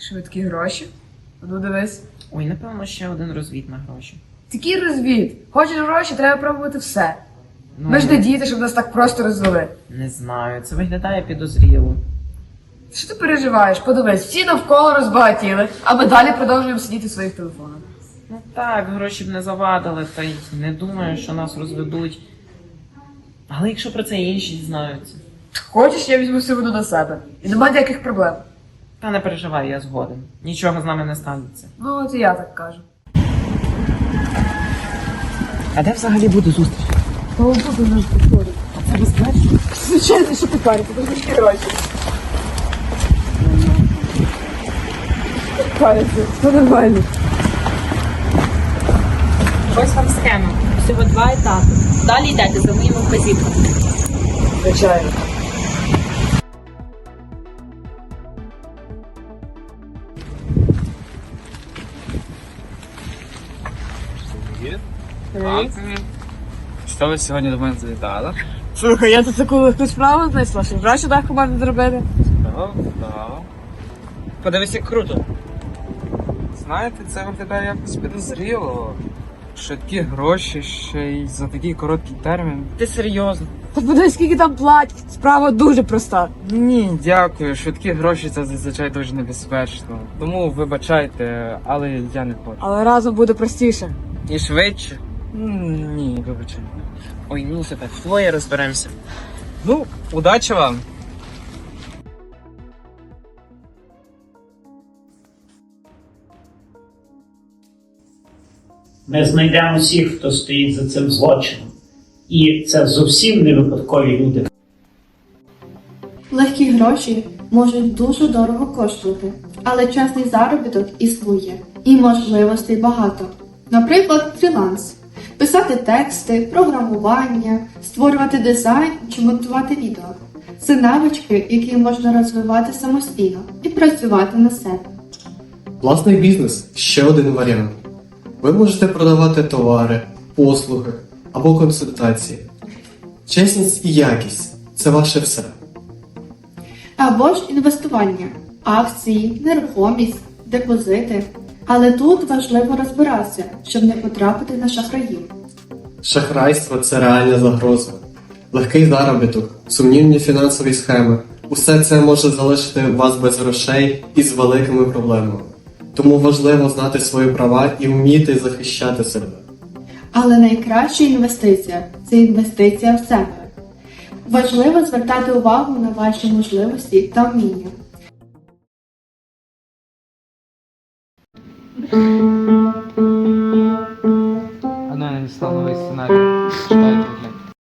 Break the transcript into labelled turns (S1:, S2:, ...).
S1: Швидкі гроші? Ну дивись.
S2: Ой, напевно, ще один розвід на гроші.
S1: Такий розвід. Хочеш гроші, треба пробувати все.
S2: Ну,
S1: Ми ж не діти, щоб нас так просто розвели.
S2: не знаю, це виглядає підозріло.
S1: Що ти переживаєш? Подивись, всі навколо розбагатіли, а ми далі продовжуємо сидіти в своїх телефонах.
S2: Ну так, гроші б не завадили, та й не думаю, що нас розведуть. Але якщо про це інші дізнаються.
S1: Хочеш, я візьму всю вину на себе. І нема ніяких проблем.
S2: Та не переживай, я згоден. Нічого з нами не станеться.
S1: Ну, от і я так кажу.
S2: А де взагалі буде зустріч?
S1: Та ось тут у нас підходить.
S2: Це безпечно?
S1: Звичайно, що ти парі, це дуже гроші. Париться, все нормально.
S3: Ось вам схема. Всього 2 етапи. Далі йдете за моїми вказівками.
S1: Звичайно.
S4: Що ви сьогодні до мене завітали?
S1: Слухай, я тут таку легку справу знайшла, що гроші легко можна зробити.
S4: Так. Подивись, як круто. Знаєте, це виглядає якось підозріло. Швидкі гроші ще й за такий короткий термін.
S2: Ти серйозно?
S1: Та подивись, скільки там платять. Справа дуже проста.
S4: Ні, дякую. Швидкі гроші це зазвичай дуже небезпечно. Тому вибачайте, але я не хочу.
S1: Але разом буде простіше.
S4: І швидше? Ні, вибачайте.
S2: Ой, ну все так, двоє розберемося.
S4: Ну, удачі вам!
S5: Ми знайдемо всіх, хто стоїть за цим злочином. І це зовсім не випадкові люди.
S6: Легкі гроші можуть дуже дорого коштувати, але чесний заробіток існує і можливостей багато. Наприклад, фріланс. Писати тексти, програмування, створювати дизайн чи монтувати відео. Це навички, які можна розвивати самостійно і працювати на себе.
S7: Власний бізнес ще один варіант. Ви можете продавати товари, послуги або консультації. Чесність і якість це ваше все.
S6: Або ж інвестування, акції, нерухомість, депозити. Але тут важливо розбиратися, щоб не потрапити на шахраїв.
S7: Шахрайство це реальна загроза. Легкий заробіток, сумнівні фінансові схеми – усе це може залишити вас без грошей і з великими проблемами. Тому важливо знати свої права і вміти захищати себе.
S6: Але найкраща інвестиція – це інвестиція в себе. Важливо звертати увагу на ваші можливості та вміння.
S4: А ну, я надіслав новий сценарій. Читайте.